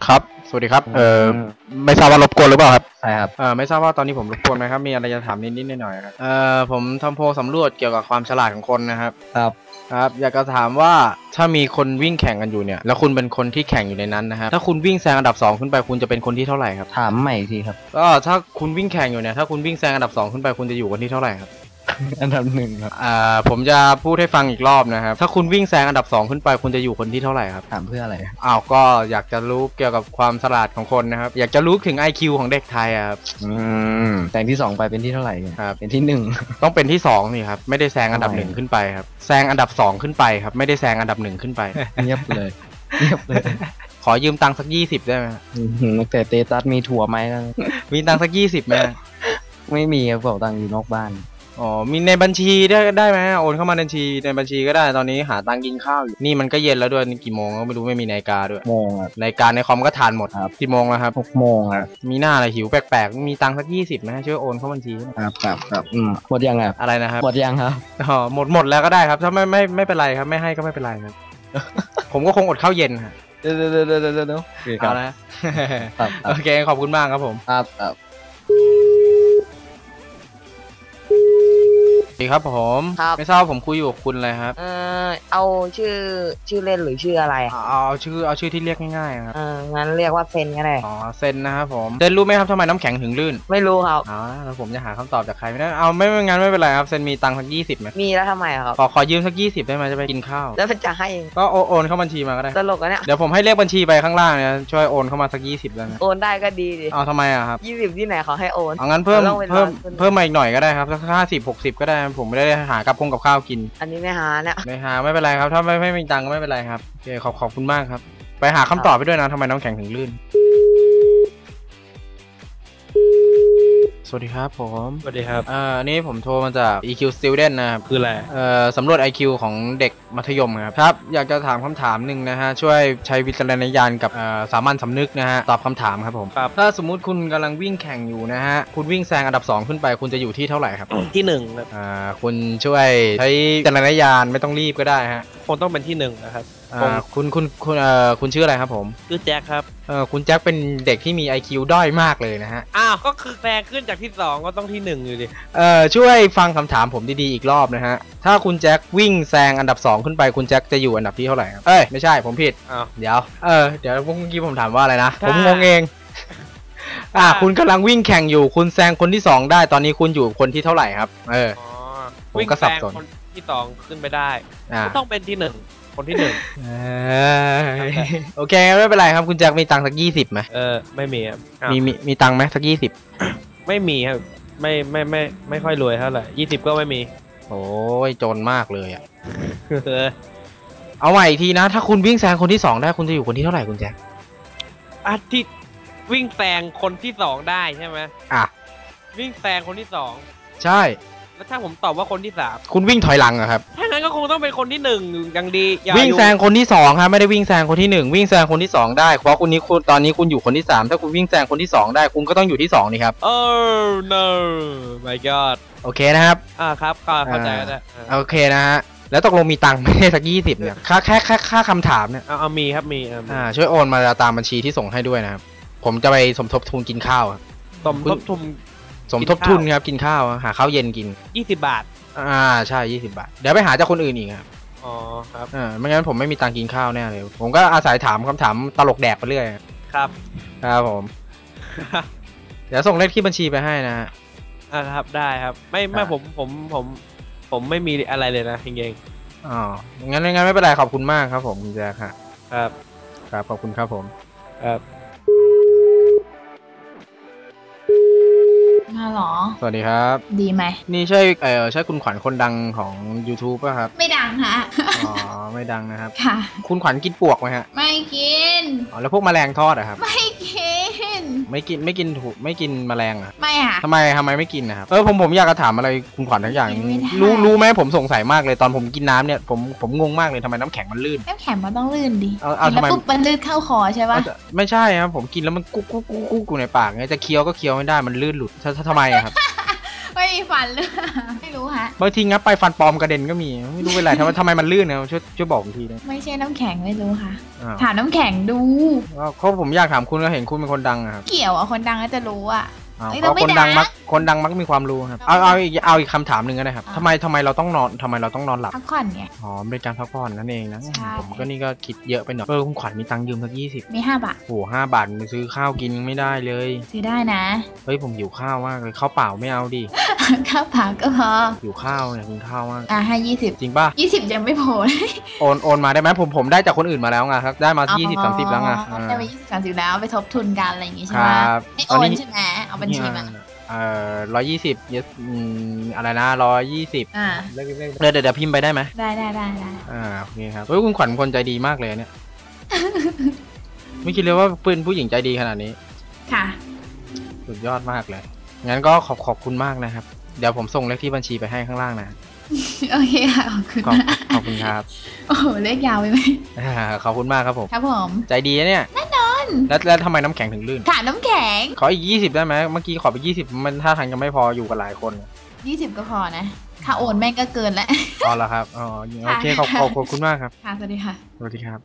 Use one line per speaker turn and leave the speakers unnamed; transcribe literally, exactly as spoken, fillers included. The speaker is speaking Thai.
ครับสวัสดีครับเอ่อไม่ทราบว่ารบกวนหรือเปล่าครับ
ใช่ครับ
เอ่อไม่ทราบว่าตอนนี้ผมรบกวนไหมครับมีอะไรจะถามนิดๆหน่อยๆครับเอ่อผมทำโพลสำรวจเกี่ยวกับความฉลาดของคนนะครับ
ครับ
ครับอยากจะถามว่าถ้ามีคนวิ่งแข่งกันอยู่เนี่ยแล้วคุณเป็นคนที่แข่งอยู่ในนั้นนะครับถ้าคุณวิ่งแซงอันดับสองขึ้นไปคุณจะเป็นคนที่เท่าไหร่ครับ
ถามใหม่อีกทีครับ
ก็ถ้าคุณวิ่งแข่งอยู่เนี่ยถ้าคุณวิ่งแซงอันดับสองขึ้นไปคุณจะอยู่คนที่เท่าไหร่ครับ
อันดับหนึ่งครับ
อ่าผมจะพูดให้ฟังอีกรอบนะครับถ้าคุณวิ่งแซงอันดับสองขึ้นไปคุณจะอยู่คนที่เท่าไหร่ครับ
ถามเพื่ออะไร
อ้าวก็อยากจะรู้เกี่ยวกับความฉลาดของคนนะครับอยากจะรู้ถึง ไอ คิว ของเด็กไทยครับ
อืมแต่งที่สองไปเป็นที่เท่าไหร่
ครับ
เป็นที่หนึ่ง
ต้องเป็นที่สองนี่ครับไม่ได้แซงอันดับหนึ่งขึ้นไปครับแซงอันดับสองขึ้นไปครับไม่ได้แซงอันดับหนึ่งขึ้นไป
เงียบเลยเงียบเลย
ขอยืมตังค์สักยี่สิบได้ไหม
แต่เตตัสมีถั่วไหม
มีตังค์สักยี่สิบไหม
ไม่มีครับบอกตังค์อยู่นอกบ้าน
อ๋อมีในบัญชีได้ได้ไหมโอนเข้ามาในบัญชีในบัญชีก็ได้ตอนนี้หาตังค์กินข้าวอยู่นี่มันก็เย็นแล้วด้วยนี่กี่โมงก็ไม่รู้ไม่มีนาฬิกาด้วย
โมงครับ
นาฬิกาในคอมก็ทานหมด
ครับ
กี่โมงแล้วครับ
หกโมงครับ
มีหน้าอะไรหิวแปลกๆมีตังค์สักยี่สิบไหมช่วยโอนเข้าบัญชี
ครับครับครับอืมหมดยังครับ
อะไรนะครับ
หมดยังครับ
อ๋อหมดหมดแล้วก็ได้ครับถ้าไม่ไม่ไม่เป็นไรครับไม่ให้ก็ไม่เป็นไรครับผมก็คงอดข้าวเย็นครับ
เดี๋ยวเดี๋ยวเดี๋ยวเดี๋ยวเดี๋ยว
เอาละโอเคขอบคุณมากครับผม
ครับครับ
สวัสดีครับผมไม่ทราบผมคุยอยู่กับคุณอะไรครับ
เออเอาชื่อชื่อเล่นหรือชื่ออะไร
เอาเอาชื่อเอาชื่อที่เรียกง่ายๆครับ
เอองั้นเรียกว่าเซนก็ได้
อ๋อเซนนะครับผมเซนรู้ไหมครับทำไมน้ำแข็งถึงลื่น
ไม่รู้ครับ
อ๋อแล้วผมจะหาคำตอบจากใครไม่ได้เอาไม่ไม่งั้นไม่เป็นไรครับเซนมีตังค์สักยี่สิบไหม
มีแล้วทำไมครับ
ขอขอยืมสักยี่สิบได้ไหมจะไปกินข้าว
แล้วจะให้
ก็โอนเข้าบัญชีมาก็ได้
ตลกอะเนี่ย
เดี๋ยวผมให้เลขบัญชีไปข้างล่างเนี่ยช่วยโอนเข้ามาสักยี่สิบได้ไหม
โอนได้ก็ดีดิ
เอาทำไมอะครับ
ยี่สิบที่ไหนเขาให้โอน
เอางั้นเพิ่มเพิ่มเพิ่มมาอีกหน่อยก็ได้ครับสักห้าสิบหกสิบก็ได้ผมไม่ได้หากับคงกับข้าวกิน
อันนี้ไม่หาเนี่ย
ไม่หาไม่เป็นไรครับถ้าไม่ไม่มีตังค์ก็ไม่เป็นไรครับโอเคขอบขอบคุณมากครับไปหาคำตอบไปด้วยนะทำไมน้ำแข็งถึงลื่นสวัสดีครับผม
สวัสดีครับ
อ่าอันนี้ผมโทรมาจาก อี คิว Student นะครับ
คืออะไร
เอ่อสำรวจ ไอ คิว ของเด็กมัธยมครับครับอยากจะถามคำถามหนึ่งนะฮะช่วยใช้วิจารณญาณกับสามัญสำนึกนะฮะตอบคำถามครับผม
ครับ
ถ้าสมมุติคุณกำลังวิ่งแข่งอยู่นะฮะคุณวิ่งแซงอันดับสองขึ้นไปคุณจะอยู่ที่เท่าไหร่ครับ
ที่หนึ่งครับ
อ่าคุณช่วยใช้วิจารณญาณไม่ต้องรีบก็ได้ฮะ
คงต้องเป็นที่หนึ่งนะครับ
อ่าคุณคุณคุณเอ่อคุณชื่ออะไรครับผม
ชื่อแจ็คครับ
เออคุณแจ็คเป็นเด็กที่มี ไอ คิว ด้อยมากเลยนะฮะ
อ้าวก็คือแซงขึ้นจากที่สองก็ต้องที่หนึ่งอยู่ดิ
เอ่อช่วยฟังคำถามผมดีๆอีกรอบนะฮะถ้าคุณแจ็ควิ่งแซงอันดับสองขึ้นไปคุณแจ็คจะอยู่อันดับที่เท่าไหร่ครับเอ้ยไม่ใช่ผมผิด
อ้าว
เดี๋ยวเออเดี๋ยวเมื่อกี้ผมถามว่าอะไรนะผมงงเองอ่าคุณกำลังวิ่งแข่งอยู่คุณแซงคนที่สองได้ตอนนี้คุณอยู่คนที่เท่าไหร่ครับเออ
วิ่งแซงคนที่สองขึ้นไปได้ก็ต้องเป็นที่หนึ่งคนที่หนึ่ง
โอเคไม่เป็นไรครับคุณแจ็คมีตังค์สักยี่สิบไหม
เออไม่มีครับ
มีมีมีตังค์ไหมสักยี่สิบ
ไม่มีครับไม่ไม่ไม่ไม่ค่อยรวยเท่าไหร่ยี่สิบก็ไม่มี
โอ้ยจนมากเลยอ่ะเอาใหม่อีกทีนะถ้าคุณวิ่งแซงคนที่สองได้คุณจะอยู่คนที่เท่าไหร่คุณแจ็ค
อาทิตย์วิ่งแซงคนที่สองได้ใช่ไหม
อ่ะ
วิ่งแซงคนที่สอง
ใช่
แล้วถ้าผมตอบว่าคนที่สาม
คุณวิ่งถอยหลังอะครับ
ถ้างั้นก็คงต้องเป็นคนที่หนึ่งอย่างดี
วิ่งแซงคนที่สองครับไม่ได้วิ่งแซงคนที่หนึ่งวิ่งแซงคนที่สองได้เพราะคุณนี้คุณตอนนี้คุณอยู่คนที่สามถ้าคุณวิ่งแซงคนที่สองได้คุณก็ต้องอยู่ที่สองนี่ครับ
Oh no my god
โอเคนะครับ
อ่าครับเข้าใจแล้ว
โอเคนะฮะแล้วตกลงมีตังค์ไหมสักยี่สิบเนี่ยค่าแค่แค่ค่าคำถามเนี่ย
เอาเอามีครับมี
อ่าช่วยโอนมาตามบัญชีที่ส่งให้ด้วยนะครับผมจะไปสมทบทุนกินข้าว
สมทบทุน
สมทบทุนครับกินข้าวหาข้าวเย็นกิน
ยี่สิบบาท
อ่าใช่ยี่สิบบาทเดี๋ยวไปหาจากคนอื่นอีกครับ
อ๋อครับ
อ่าไม่งั้นผมไม่มีตังค์กินข้าวแน่เลยผมก็อาศัยถามคำถามตลกแดกไปเรื่อย
ครับ
ครับผมเดี๋ยวส่งเลขที่บัญชีไปให้นะฮะ
อ่าครับได้ครับไม่ไม่ผมผมผมผมไม่มีอะไรเลยนะจริง
ๆอ๋องั้นงั้นไม่เป็นไรขอบคุณมากครับผมคุณแจ๊คครับ
ครับ
ครับขอบคุณครับผม
ครับ
ฮัลโหล
สวัสดีครับ
ดีไหม
นี่ใช่เออใช่คุณขวัญคนดังของ YouTube ป่ะครับ
ไม่ดังฮะ
อ๋อไม่ดังนะครับ
ค่ะ
คุณขวัญกินปวกไหมฮะ
ไม่กิน
อ๋อแล้วพวกแมลงทอดอะครับ
ไม่กิน
ไม่กินไม่กินถูกไม่กินแมลงอะ
ไม่อะ
ทำไมทำไมไม่กินนะครับเออผมผมอยากจะถามอะไรคุณขวัญทั้งอย่างรู้รู้ไหมผมสงสัยมากเลยตอนผมกินน้ำเนี่ยผมผมงงมากเลยทำไมน้ำแข็งมันลื่น
น้ำแข็งมันต้องลื่นดิ
เอาเอาทำไม
ปุ๊บมันลื่นเข้าคอใช่ปะ
ไม่ใช่ครับผมกินแล้วมันกุ๊กกุ๊กกุ๊กกุ๊กในปากไงจะเคี้ยวก็เคี้ยวไม่ได้มันลื่นหลุดทำไมอะครับ
ไม่มีฟันเลยไม่รู้ฮะ
บางทีงับไปฟันปลอมกระเด็นก็มีไม่รู้เป็นไรทำไมทำไมมันลื่นนะช่วยช่วยบอกผมทีนะ
ไม่ใช่น้ำแข็งไม่รู้ค่ะ
อ้าว
ถามน้ำแข็งดู
เขาผมอยากถามคุณก็เห็นคุณเป็นคนดังอะครับ
เกี่ยวอ่ะคนดังก็จะรู้อ่ะ
อ้าว
เอ้ย
เพราะ
เราไม่
คนดัง
ด่า
มักคนดังมักมีความรู้ครับเอาเอาอีกเอาอีกคำถามหนึ่งก็ได้ครับ
อ่า
ทำไมทำไมเราต้องนอนทำไมเราต้องนอนหลับ
พักผ่อนไง
อ๋อเป็นการพักผ่อนนั่นเองนะ
ใช่
ผมก็นี่ก็คิดเยอะไปหน่อยเออคุณขวัญมีตังค์ยืมสักยี่สิบ
มีห้าบาท
โอ้โหห้าบาทไปซื้อข้าวกินยังไม่ได้เลย
ซื้อได้นะ
เฮ้ยผมหิวข้าวมากเลยข้าวเปล่าไม่เอาดิ
ข้าวเปล่าก็พอ
หิวข้าวอยากกินข้าวมาก
อ่ะให้ยี่สิบ
จริงป่ะ
ยี่สิบยังไม่พอเลย
โอนโอนมาได้ไหมผมผมได้จากคนอื่นมาแล้วไงครับได้มายี่สิบสามสิบแล้วไง
อ๋อได้ไปยี่สิบสามสิบแล้วไปทบทุนกันอะไรอย่างงี้ใช่
ค
ไหม
รับ
ไม่
ต
โอ
อน
น
นี้
ใช่ไหมเอาบัญชีมา
เอ่อร้อยยี่สิบเยสอะไรนะร้อยยี่สิบ
อ่า
เดี๋ยวเดี๋ยวเดี๋ยวพิมพ์ไปได้ไหม
ได้ได้ได้ได้
อ่าโอเคครับเฮ้ยคุณขวัญคนใจดีมากเลยเนี่ย ไม่คิดเลยว่าเป็นผู้หญิงใจดีขนาดนี้
ค่ะ
สุดยอดมากเลย งั้นก็ขอบขอบคุณมากนะครับ เดี๋ยวผมส่งเลขที่บัญชีไปให้ข้างล่างนะ
โอเคค่ะขอบคุณ
ขอบ
มาก
ขอบคุณครับ
โอ้โหเลขยาวไปไหม
อ่าขอบคุณมากครับผม
ครับผม
ใจดีนะเนี่ยแน่นอนแล้วแล้วทำไมน้ำแข็งถึงลื่น
ค่ะน้ำแข็ง
ขออีกยี่สิบได้ไหมเมื่อกี้ขอไปยี่สิบมันท่าทางจะไม่พออยู่กับหลายคน
ยี่สิบก็พอนะค่าโอนแม่งก็เกินแล้ว
อ๋อแล้วครับอ๋อโอเคขอบขอบขอบคุณมากครับ
ค่ะสวัสดีค่ะ
สวัสดีครับ